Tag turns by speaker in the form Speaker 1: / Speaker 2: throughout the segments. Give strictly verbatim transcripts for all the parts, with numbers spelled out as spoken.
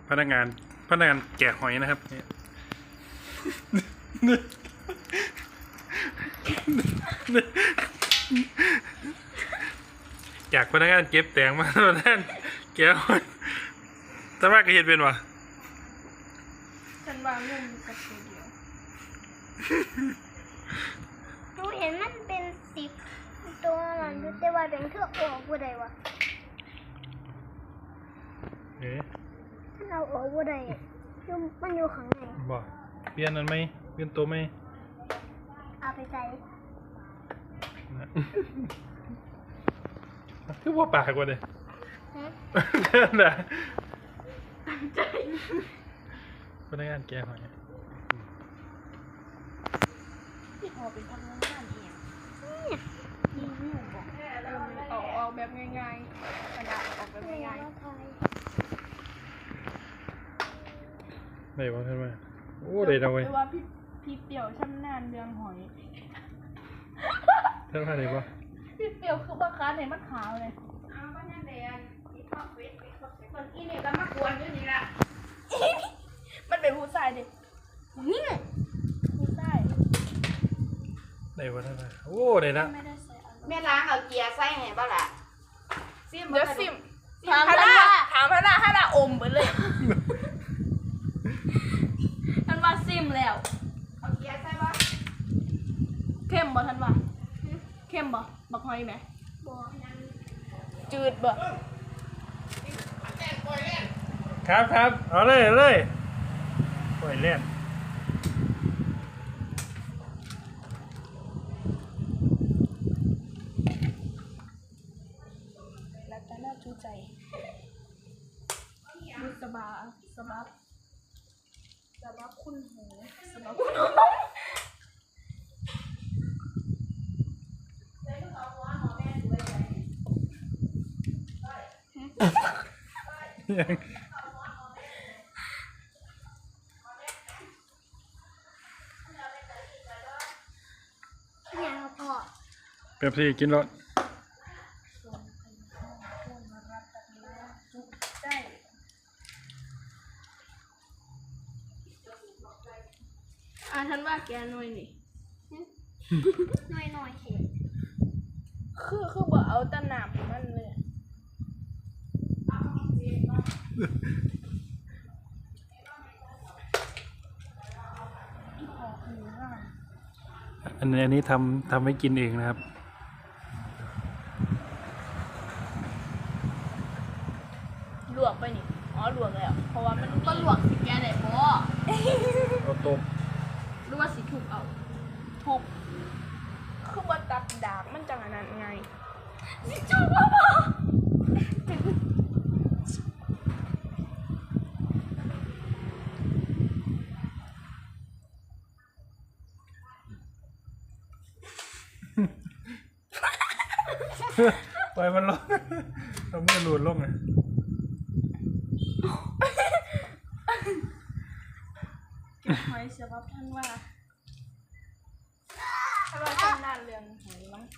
Speaker 1: พนักงานพนักงานแกะหอยนะครับจากพนักงานเก็บแตงมาพนักงานแกะหอยแต่ว่าก็เห็นเป็นวะ
Speaker 2: ฉันวางเงินกับตัวเดียว
Speaker 3: หนูเห็นมันเป็นสีตัวนั้นแต่ว่าเป็นเครื่องออกบ่ได้วะ
Speaker 1: เอ๊ะ
Speaker 3: ถ้าเราออกบ่ได้อยู่มันอยู่ข้างใน
Speaker 1: บ่เปลี่ยนนั้นไหมเปลี่ยนตัวไหม
Speaker 3: เอาไปใส่
Speaker 1: คือว่าปากกว่าเลยนะใจพนักงานแกหอย
Speaker 2: ที่พอเป็นทำงานเองรีวิวบอกออกออกแบบง่ายๆกระดาษออกแบบง่ายๆ
Speaker 1: ได้ป่ะท่านว่าโอ้ได้จังเว้ย
Speaker 2: แต่ว่าพี่พี่เปี่ยวชำนาญเรื่องหอย
Speaker 1: ท่านว่าได้ป่ะ
Speaker 2: พี่เปี่ยวคือว่าค้าในมันขาวเลยอ้าวบ้านนั่นเดียนอีทอดเวทคนอีเนี่ยก็มากวนอยู่นี่ละมันเป็นผู้ชายดินี่ผู้ชาย
Speaker 1: ได้ป่ะท่านว่าโอ้ได้ละ
Speaker 4: แม่ล้างเอาเกียร์ใส่ให้บ่ล่ะซิม
Speaker 2: เดี๋ยวซิมถามพระถามพระให้ละอมไปเลยท่านว่าซิมแล้ว
Speaker 4: เอาเกียร์ใส่บ่
Speaker 2: เข้มบ่ท่านว่าเข้มบ่บักหอยไหม
Speaker 3: บ่
Speaker 2: จืดบ่
Speaker 1: ครับครับเอาเลยเอาเลยปล่อยเล่น
Speaker 2: แล้วแต่น่าชูใจดูสบาสบาสบาคุณหูสบาคุณหู
Speaker 1: ยัง
Speaker 3: เนี่ยพ่อ
Speaker 1: เป๊ปซี่กินรถ
Speaker 2: อ่ะท่านว่าแกหน่อยนี่
Speaker 3: น้อยน้อยเข็ม
Speaker 2: คือคือบ่เอาแต่น้ำมันเลย
Speaker 1: อันนี้อันนี้ทำทำให้กินเองนะครับ
Speaker 2: ลวกไปนี่อ๋อลวกแล้วเพราะว่ามันก็ลวกสิแกได้บ่
Speaker 1: เอาต้ม
Speaker 2: หรือว่าสิถูกเอาถูกคือบ่ตัดดาบมันจังอันนั้นไงสิถูกบ่บ่
Speaker 1: ปล่อยมันลงเราไม่หลุดลงไง
Speaker 2: เก็บหอยเสียบับท่านว่าถ้าว่าท่านน่าเรื่องหอยมั้ง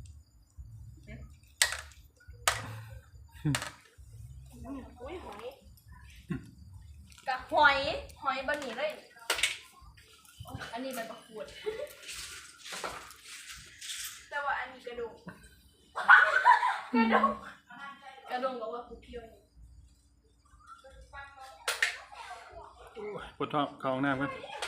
Speaker 2: อุ้ยหอยกับหอยหอยบะหมี่เลยอันนี้มันประกวดแต่ว่าอันนี้กระดูกกระดูกกระดูกบอกว่ากูเพียว
Speaker 1: ปวดท้องเข้าห้องน้ำกัน